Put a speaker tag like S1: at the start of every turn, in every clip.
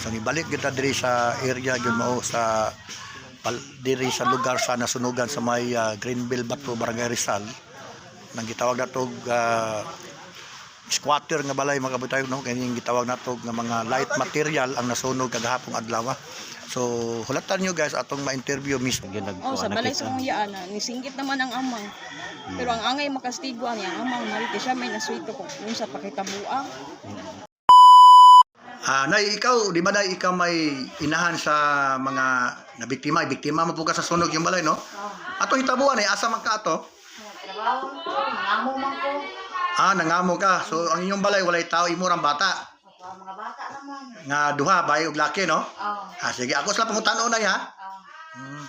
S1: So nibalik kita diri sa area gyud mao sa diri sa lugar sa nasunugan sa may Greenville Bato, Barangay Rizal. Nang gitawag natog squatter nga balay mga kabutay no, kani gitawag natog nga mga light material ang nasunog kagahapon adlaw. So hulatan nyo guys atong ma-interview mismo.
S2: Sa balay sa kuyaan nisinggit naman ang amang. Pero ang angay makastiguan niya ang amang narito siya may naswito ko yung sa pakitabuang.
S1: Nay, ikaw, di ba na ikaw may inahan sa mga nabiktima, biktima mo po ka sa sunog yung balay, no? Atong hitabuan asa man ka ato?
S3: Trabaho ko, nangamo man ko.
S1: Nangamo ka. So ang inyong balay walay tao imurang bata.
S3: Mga bata naman.
S1: Nga duha bay ug laki, no?
S3: Oo.
S1: Sige, ako sila pangutan-on na ha.
S3: Oo.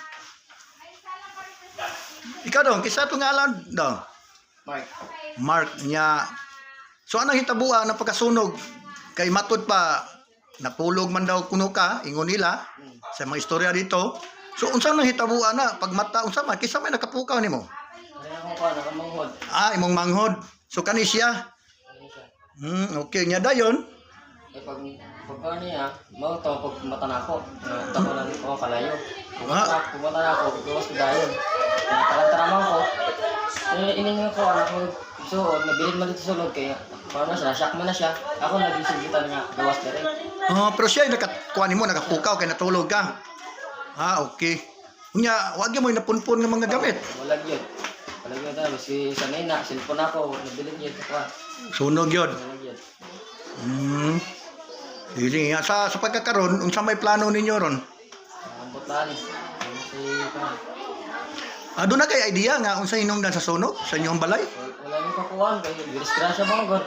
S1: Ikaw dong, kisa itong ngalan dong? Mark niya. So anong hitabuan ng pagkasunog? Kay matod pa, napulog man daw kuno ka, ingon nila, sa mga istorya dito. So unsa nang hitabuan na? Pag mata, unsa man, kisa may nakapukaw nimo?
S3: Nakamanghod.
S1: Imong manghod. So kani siya? Okay, niya dayon.
S4: Pagka niya, mau to pag mata na ako. Tako lang ako kalayo. Pag mata na ako, gawas ko dayon. Tarantaran ko. Iningan ko anak ko. So, nabilin man dito sa loob kaya parang siya, shock man na siya. Ako nagisigitan nga gawas na rin.
S1: Pero siya nakakuha nimo, nakapukaw kay natulog ka. Okay. Unya, wag mo napunpon ng mga gamit.
S4: Walag yun. Walag yun tayo. Si sanay na, cellphone ako, nabilin yun.
S1: Sunog yun.
S4: Walag yun.
S1: Sige nga, sa pagkakaroon, unsa may plano ninyo ron?
S4: Ang butlaan eh.
S1: Doon na kay idea nga unsa hinungdan sa sunog sa inyong balay?
S4: Wala nang kakuhaan, kaya disgrasya mga god.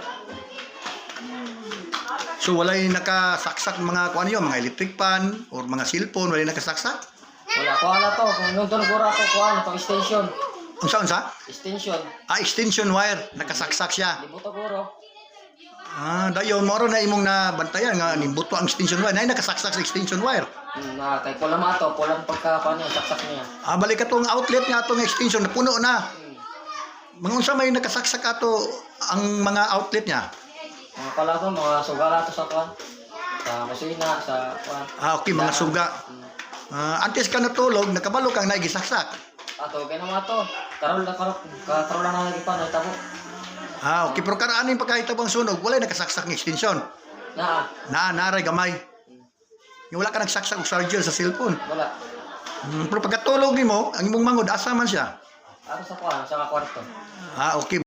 S1: So walay nakasaksak mga kuan yo, mga electric pan or mga cellphone, walay nakasaksak?
S4: Wala, kuha na to. Kung nung doon gura ako, kuha na to, extension.
S1: Unsa?
S4: Extension.
S1: Extension wire, nakasaksak siya.
S4: Libuto guro.
S1: Dayon mo na imong nabantayan nga nimbuto ang extension wire. Nay nakasaksak sa extension wire.
S4: Kay kulang ato, kulang pagka niya, saksak niya.
S1: Balik atong outlet nga atong extension napuno na. Mga unsa may nakasaksak ato ang mga outlet niya?
S4: Mga pala to, mga sugala to sa kuwan. Sa kusina, sa kuwan.
S1: Okay, mga suga. Antes ka natulog, nakabalo kang naigisaksak.
S4: Ato, kaya naman to. Karol lang na lagi pa, naitabo.
S1: Okay, pero karaan yung pagkahitabang sunog, walay nakasaksak ng extension. Naray gamay. Yung wala ka nagsaksak og charger sa cellphone.
S4: Wala.
S1: Pero pagkatulog nimo, ang imong mangod asa man siya?
S4: Ato sa kuwan, sa kwarto.
S1: Okay.